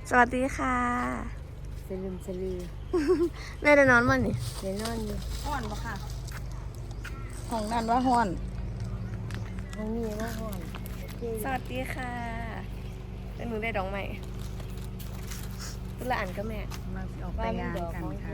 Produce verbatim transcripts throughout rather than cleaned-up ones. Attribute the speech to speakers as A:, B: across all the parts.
A: สวัสดีค่ะ
B: สลืมสลือ
A: แม่ได้นอนมั้ยนี่
B: เดี๋ยวนอนอยู่
C: ห้อนปะค่ะห้องนั่นว่าห้อน
B: ห้องนี้ว่าห้อน
A: สวัสดีค่ะเป็นหนูได้ดอกใหม่ตุละอันก็แม่
C: มาสิออกไปงานกันค่ะ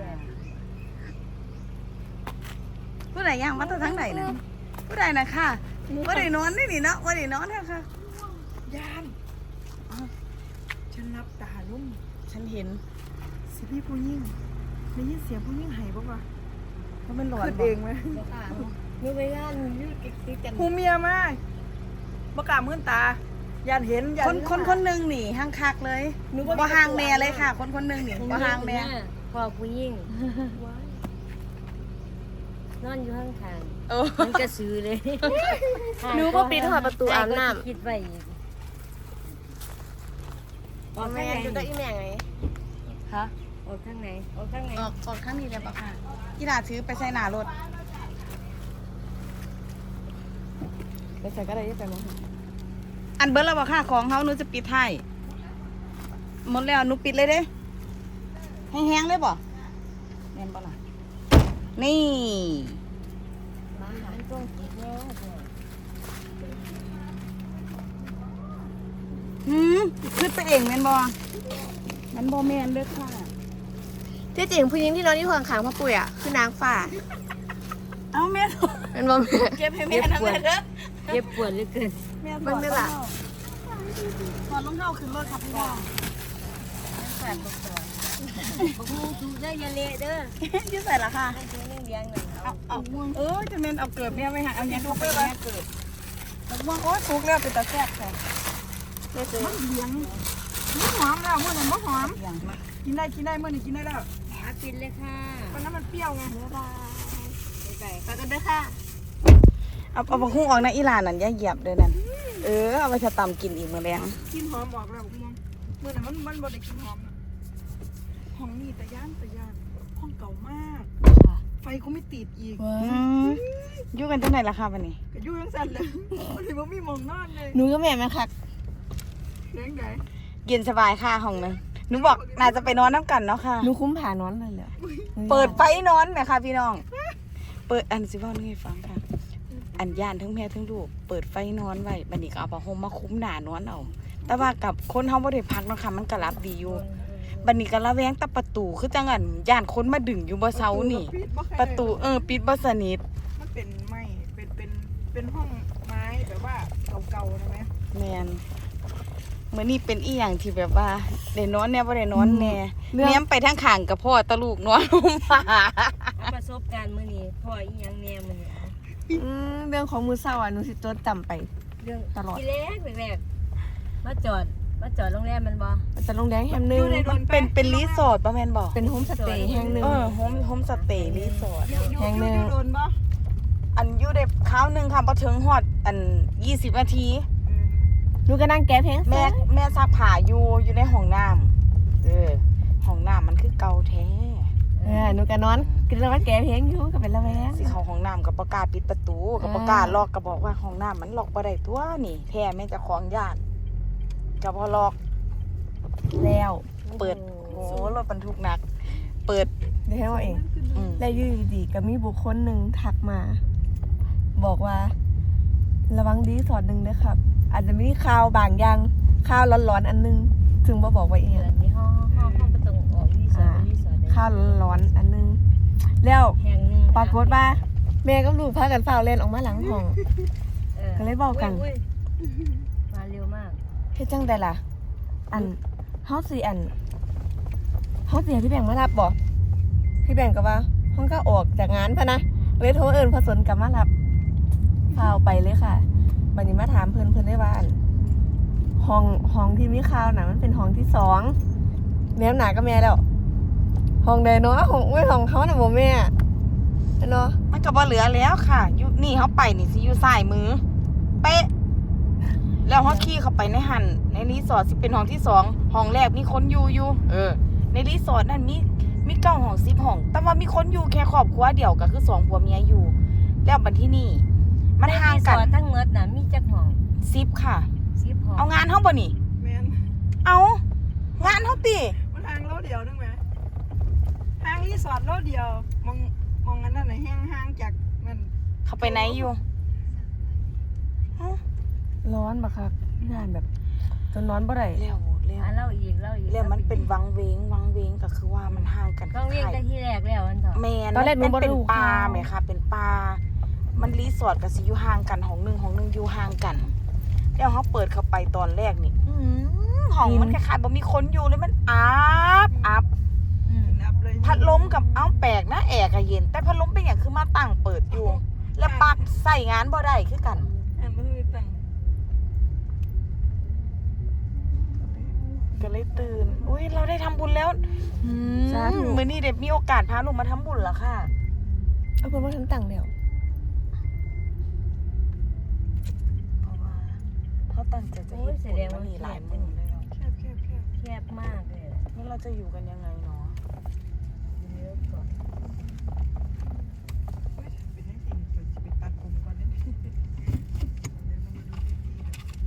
B: ผู้
C: ผู้ใดย่างมาตั้งทั้งไหนนะผู้ใดนะค่ะผู้ใดนอนนี่นี่เนาะผู้ใดนอนเนี่ยค่ะยานอ้าวฉันรับตาลุ่มฉันเห็นสิพี่ผู้ยิ่งได้ยินเสียงผู้ยิ่งหายปะวะเพราะมันหลอนเองไหม
B: บ่ค่ะนึกไปย่านยืดติดกัน
C: ผู้เมียมากประกาศมื่นตายันเห็นคนคนคนหนึ่งหนีห้างคักเลยบ่ห่างแม่เลยค่ะ คนคนหนึ่งหนีบ่ห่างแม่
B: พอผู้ยิ่งนอนอยู่ข้างทาง
C: เออ
B: มันกระสือเลย
A: หนูก็ปิดหอดประตูอาบน้ำ
B: คิดไว้อีก
A: ออกแม่อยู่กับอีแม่ไง
C: ฮะ
B: ออกข้างไหนออกข้างไหน
C: ออกออกข้างนี้เลยปะค่ะกีฬาถือไปใส่หน้ารถไปใส่ก็ได้ยังไปมั้งอันเบิร์ดแล้วปะค่ะของเขาหนูจะปิดให้หมดแล้วหนูปิดเลยเด้แห้งๆเลยบ่แน่นปะล่ะนี่
B: มาหาช่วงกินแน่เลย
C: หืมขึ้นไปเองแม่นบ่แม่นบ่แม่นเด้อค่ะ
A: ที่จริงผู้หญิงที่นอนที่ห้องขังพ่อปุ๋ยอ่ะคือนางฟ้า
C: เอ้าแม่
A: เป็นบ่แม่
C: เก็บให้แม่นะแม่เด้อ
B: เจ็บปวดเหลือเกิน
C: แม่
A: เบิ่งได้ล่ะ
C: ถอดรองเท้าขึ้นรถครับพี่น้อง
B: แสบบอกต่อบอกงูถูกได้อยาเละเด้อ
C: ยืดใส่ละค่ะ
B: ให้ตัวเลี้ยงเลี้ยงหน่อยเอา
C: เอาเออจะเมนเอาเกิดเนี่ยไปหาเอาเนี้ยทุกไปเลยเกิดว่าโอ้ทุกแล้วเป็นตาแซ่บค่ะ
A: แม่ซื้อ
C: มันเลี้ยงมันหอมแล้วเมื่อนั้นมันหอมกินได้กินได้เมื่อนี้กินได้แล้ว
B: หาปินเลยค่ะ
C: วันนั้นมันเปรี้ยวไง
B: บ๊ายบายบ๊ายบาย
A: ไปกันเด้อค่ะ
C: เอาเอาบะฮุ่งออกนะอีหลานนั่นอย่าเหยียบเลยนั่นเออเอาไปจะตำกินอีกมื้อแรงกินหอมออกแล้วมึงเมื่อนั้นมันมันบ่ได้กินหอมห้องนี้แต่ย่านแต่ย่านห้องเก่ามากไฟก็ไม่ติดอีกอยู่กันจังไหนล่ะคะวันนี้ก็อยู่ยังสั่นเลยวันนี้บ่มีหมองนอนเลย
A: หนูก็แม่แม่คัก
C: เลี้ยงไงเย็นสบายค่ะห้องนึงหนูบอกน่าจะไปนอนน้ำกันเนาะค่ะ
A: หนูคุ้มผ่านอนเลยเหรอ
C: เปิดไฟนอนไหมคะพี่น้อง เปิดอันสิว่านี่ให้ฟังค่ะ อันย่านทั้งแม่ทั้งลูกเปิดไฟนอนไว้บัดนี้ก็เอาผ้าห่มมาคุ้มหนานอนเอา แต่ว่ากับคนเฮาบ่ได้พักเนาะค่ะมันก็รับดีอยู่บัดนี้ก็ระแวงแต่ประตูคือจังอันย่านคนมาดึงอยู่บ่เซานี่ ประตูเออปิดบ่สนิท
D: มันเป็นไม้เป็นเป็นเป็นห้องไม้แบบว่าเก่าๆนะแม่
C: แม่นมื้อนี้เป็นอีหยังที่แบบว่าได้นอนแน่บ่ได้นอนแน่แนมไปทางข้างกับพ่อตะลูกนอนลงมา
B: ประสบการณ์มื้อนี้พ่ออีหยังแน่มื้อนี้
A: อืมเรื่องของมือเศร้าอ่ะหนูสิจดจำไป
B: เรื่อง
A: ตลอด
B: ที่แรกแรกๆมาจอดมาจอดโรงแรมมันบ่
A: มันจะโรงแรมแห่งหนึง
C: มันเป็นเป็นรีสอร์ทป่ะแม่นบอก
A: เป็นโฮมสเตย์แห่งหนึง
C: เออโฮมโฮมสเตย์รีสอร์ท
A: แห่งหนึ่ง
D: โดนปะ
C: อันอยู่ได้คราวหนึงค่ะพอถึงฮอดอันยี่สิบนาที
A: หนูก็นั่งแก้เพลง
C: แม่แม่ซักผ้าอยู่อยู่ในห้องน้ำเออห้องน้ำมันคือเก่าแท้
A: เออหนูก็นอนกินแล้วมันแก้เพลงอยู่ก็เป็นละแวง
C: สิเข้าห้องน้ำกับประกล้าศปิดประตูกับประกล้าศล็อกก็บอกว่าห้องน้ำมันล็อกบ่ได้ตัวนี่แท้แม่เจะของญาติก็บ่ล็อก
A: แล้ว
C: เปิดโอ้รถบรรทุกหนัก เปิด
A: เดี๋ยวให้ว่าเอง
C: อืม
A: แล้วอยู่ดีๆก็มีบุคคลหนึ่งทักมา บอกว่า ระวังดีสอดหนึ่งด้วยครับ อาจจะมีข่าวบางอย่างข่าวร้อนๆอันนึงถึงบ่บอกว่าเอง
B: เดือนนี้ห้องห้องห้องประตูออกรีสอร์ทรีสอร์ท
A: ข่าวร้อนๆอันนึง แล้ว
B: แห่งหนึง
A: ปรากฏว่าแม่กับลูกพากันฝ่าวเล่นออกมาหลังห้อง ก็เลยบอกกัน
B: อุ้ยๆมาเร็วมาก
A: เฮ็ดจังไดล่ะ อันเฮาสิอันเฮาสิให้พี่แบงค์มารับบ่พี่แบงค์ก็ว่าห้องก็ออกจากงานพะนะเลยโทรเอิ้นพอสนกลับมารับข่าวไปเลยค่ะบัดนี้มาถามเพิ่นเพิ่นได้ว่าอันห้องห้องที่มีข่าวน่ะมันเป็นห้องที่สองแนมหนากับแม่แล้วห้องใดเนาะห้องอุ้ยห้องเขาน่ะบ่แม่เนาะ
C: มันก็บ่เหลือแล้วค่ะอยู่นี่เขาไปนี่สิอยู่ซ้ายมือ เป๊ะ แล้วเขาขี่เข้าไปในหันในรีสอร์ทสิเป็นห้องที่สองห้องแรกมีคนอยู่อยู่เออ ในรีสอร์ทนั่นมีมีเก้าห้องสิบห้อง แต่ว่ามีคนอยู่แค่ครอบครัวเดียวก็คือสองผัวเมียอยู่ แล้วบัดที่นี่ มันห่างกัน
B: รีสอร์ททั้งหมดน่ะมีจักห้อง
C: สิบค่ะ
B: สิบห้อง
C: เอางานเฮาบ่นี่
D: แม่น
C: เอาหงานเขาตี
D: มันทางโลเดียวนึงไหมทางรีสอร์ทโลเดียวมองมองอันนั้นน่ะแห้งห่างจากมัน
C: เขาไปไหนอยู่
A: ร้อนบักคักงานแบบจนนอนบ่ได้
C: เร็วเร็ว
B: อ่ะเล่าอีกเล่าอีก
C: เร็วมันเป็นวังเวงวังเวงก็คือว่ามันห่างกัน
B: ต้องเรียกแต่ที่แรกแล้วอันเถอะ
C: แมน
A: ตอนแรกหนูบ่
C: เป็น
A: รู้
C: ปลา
A: ข่าว
C: ไหมคะเป็นปลามันรีสอร์ทกับสิอยู่ห่างกันห้องหนึ่งห้องหนึ่งอยู่ห่างกันแล้วเขาเปิดเข้าไปตอนแรกนี่อื้อหือห้องมันคล้ายๆบ่มีคนอยู่เลยมันอับอับ
B: อืม
D: นับเลย
C: พัดลมกับเอ้าแปลกนะแอร์ก็เย็น แต่พัดลมเป็นอย่างคือมาตั้งเปิดอยู่ แล้วปลักใส่งานบ่ได้คือกัน
D: อันมันคือตั้ง
C: ก็เลยตื่น อุ้ยเราได้ทำบุญแล้วอืม
A: สาธุ
C: มื้อนี้เด็กมีโอกาสพาลูกมาทำบุญแล้วค่ะ
A: เอาเพิ่นมาทันตังแล้ว
C: เพราะว่าเขาตั้งใจจะเฮ็ดบุญมานี่หลายมื้อแล้ว
D: แคบแคบแคบ
B: แคบมากเลย
C: แล้วเราจะอยู่กันยังไงเนาะ
B: เยอะกว่า
D: เป็นให้สิ่งเกิดจะไปตัดผมก่อนได้ไหมเดี๋ยวเรามาดูวิธีกัน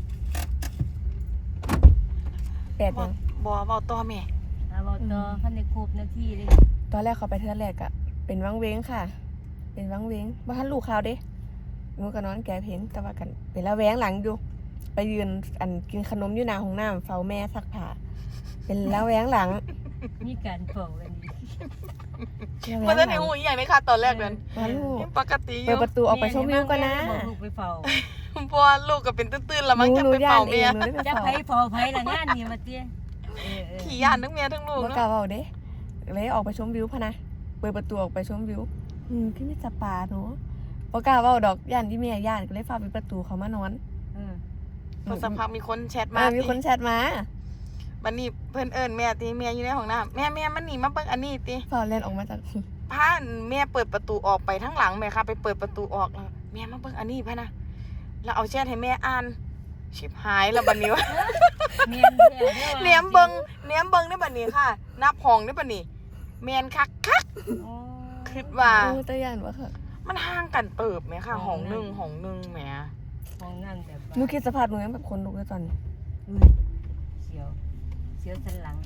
A: แปดยัง
C: บ่เว้าต่อแม่
B: เอาบอกต่อพันในครบนาทีเลย
A: ตอนแรกเขาไปเทื่อแรกอะเป็นวังเว้งค่ะ เป็นวังเว้งบ่ทันลูกข่าวเด้หนูก็นอนแก่เพนแต่ว่ากันเป็นละแวงหลังอยู่ ไปยืนอันกินขนมอยู่หน้าห้องน้ำเฝ้าแม่ซักผ้าเป็นละแวงหลัง
B: มีการเป่ากันนี้
A: ละแว
C: บ่
A: ง
C: ทัน
A: ห
C: ได้
A: ลัง
C: ฮู้อีหยังเลยค่ะตอนแรกนั้น
A: วันลูก
C: ยังปกติอ
A: เปิด
C: ยู่
A: ประตูออกไปชมวิวก่อนนะ
B: บอกลูกไปเฝ้า
C: เพราะว่าลูกก็เป็นตื้นๆแล้วมันจะ
A: หนู
C: ไป
A: ย่า
C: เป่าน
A: เอ
C: เมีย
A: งหนูได้ไป
B: จะ
A: เฝ้า
B: ไผเฝ้าไผละงานนี่มาเตี้ยเออเออ
C: ขี่ย่านทั้งเมียทั้งลูก
A: บ่
C: เนาะ
A: กล้าเว้าเด้เลยออกไปชมวิวพะนะเปิดประตูออกไปชมวิวอืมคือมีสปาหนูบ่กล้าเว้าดอกย่านที่แม่ย่านก็เลยฟ้าปิดประตูเขามานอน
B: เออ
C: พอสักพักมีคนแชท
A: มา
C: มา
A: มีคนแชทมา
C: บัดนี้เพิ่นเอิ้นแม่ติแม่อยู่ในห้องน้ำแม่แม่มันนี่มาเบิ่งอันนี้ติ
A: ฟอเล่นออกมาจาก
C: พาแม่เปิดประตูออกไปทั้งหลังแม่ค่ะไปเปิดประตูออกแล้วแม่มาเบิ่งอันนี้พะนะแล้วเอาแชทให้แม่อ่านชิบหายแล้วบัดนี้วะ
B: เมียนแท้ด้อว่ะ
C: เนียมเบิ่งเนียมเบิ่งได้บัดนี้ค่ะ นับห้องได้บัดนี้แม่นคักคัก
B: โอ้
C: คิดว่า
A: โอ้ตะย่านวะค่ะ
C: มันห่างกันเติบไหมค่ะห้องหนึงห้องหนึงแหม
B: ของนั่นแบบว่า
A: หนูคิดสภาพหนูยังแบบคนลุกเลยตอนนี้
B: อุ้ยเสียวเสียวสันหลัง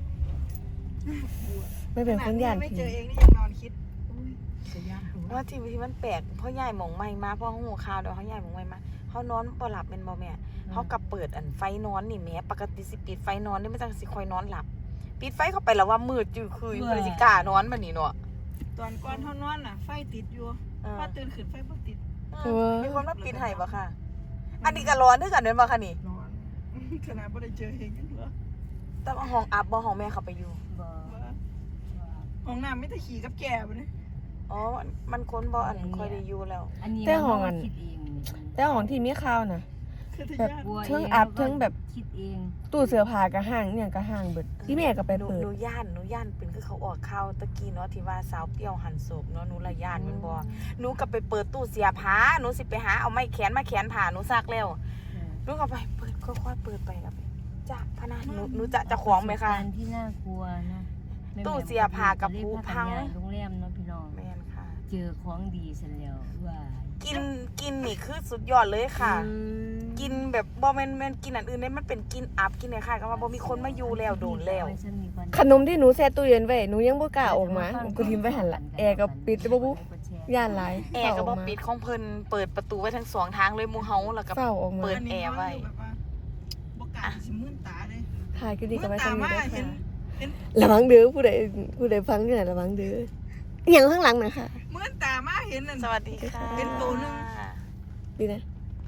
A: ไม่เป็นคนย่าน
D: ไม่
A: ผี
D: เจอเองนี่ยังนอนคิดอุ้ยจะยากดู
C: ว่าทีวีมันแปลกเพราะยายหมองใหม่มาเพราะหูข่าวเดี๋ยวเขายายหมองใหม่มาเขานอนบ่หลับเป็นบ่แม่เขากับเปิดอันไฟนอนนี่แม่ปกติสิปิดไฟนอนนี่มันจังสิคอยนอนหลับ ปิดไฟเข้าไปแล้วว่ามืดจือคือเพิ่นสิกล้านอนบัดนี้เนาะ
D: ตอนก่อนเท่านอนน่ะ ไฟติดอยู่
C: เออ
D: พอตื่นขึ้นไฟบ่ติด
C: เออมีคนมาปิดให้บ่ค่ะ อันนี้ก็ร้อนด้วยกันแม่นบ่คะนี่
D: นอน ขนาดบ่ได้เจอเองยังเหรอ
C: แต่ว่าห้องอัพบ่ห้องแม่เข้าไปอยู่
B: บ่
D: ว่าห้องน้ำไม่แต่ขี่กับแก่บ่เนี่ย
C: อ๋อมันคนบ่อันค่อยได้อยู่แล้ว
B: อันนี้
A: แต่ห้องอัน
B: คิดเอง
A: แต่ของที่มีข่าวน่ะ
D: คือทะ
A: แบบ
D: ยาน
B: กลัว
A: เทิงอัพเทิงแบบ
B: คิดเอง
A: ตู้เสื้อผ้าก็ห่างเนี่ยก็ห่างเบิดที่แม่ก็ไป
C: หนู
A: เปิด
C: หนูย่านหนูย่านเป็นคือเขาออกข่าวตะกี้เนาะที่ว่าสาวเปรี้ยวหันศพเนาะหนูละย่านแมันบ่หนูก็ไปเปิดตู้เสียผ้าหนูสิไปหาเอาไม้แขวนมาแขวนผ้าหนูซักแล้ว หนูก็ไปเปิดค่อยๆเปิดไปแล้วไปจ้าพะนะหนูหนูจะจะของไหมคะ
B: ประสบการณ์ที่น่ากลัวนะแม่
C: ตู้เสียผ้ากับภูพัง
B: เรียกว่าโรงแรมเนาะพี่น้อง
C: แม่นค่ะ
B: เจอของดีเสร็จแล้วว่า
C: กินกินนี่คือสุดยอดเลยค่ะ
B: อืม
C: กินแบบบ่แม่นแม่นกินอันอื่นได้มันเป็นกินอัพกินเนี่ยค่ะก็ว่าบ่มีคนมาอยู่แล้วโดนแล้ว
A: ขนมที่หนูแช่ตู้เย็นไว้หนูยังบ่กล้าออกมาหนูก็ทิ้งไว้หั่นละแอร์ก็ปิดบ่บุย่านหลาย
C: แอร์ก็บ่
A: เฝ้าออกมา
C: ปิดของเพิ่นเปิดประตูไว้ทั้งสองทางเลยหมู่เฮาแล้วก็
A: เฝ้าออกมา
C: เปิด แอร์ไว้
D: แบบว่าบ่กล้าสิมื่นตาเลย
A: ถ่ายก็ดี
D: มื่
A: กับ
D: น
A: ไว้
D: ตา
A: ทำนี้
D: มา
A: ได้
D: เห็น
A: ค่ะ
D: เห็น
A: ระวังเด้อผู้ใดผู้ใดฟังอยู่ไหนระวังเด้ออหย่างข้างหลังนะคะ
D: มื่นตามาเห็นนั่น
C: สวัสดีค่ะ
D: เป็นตัวหนึ่ง
A: ดีนะ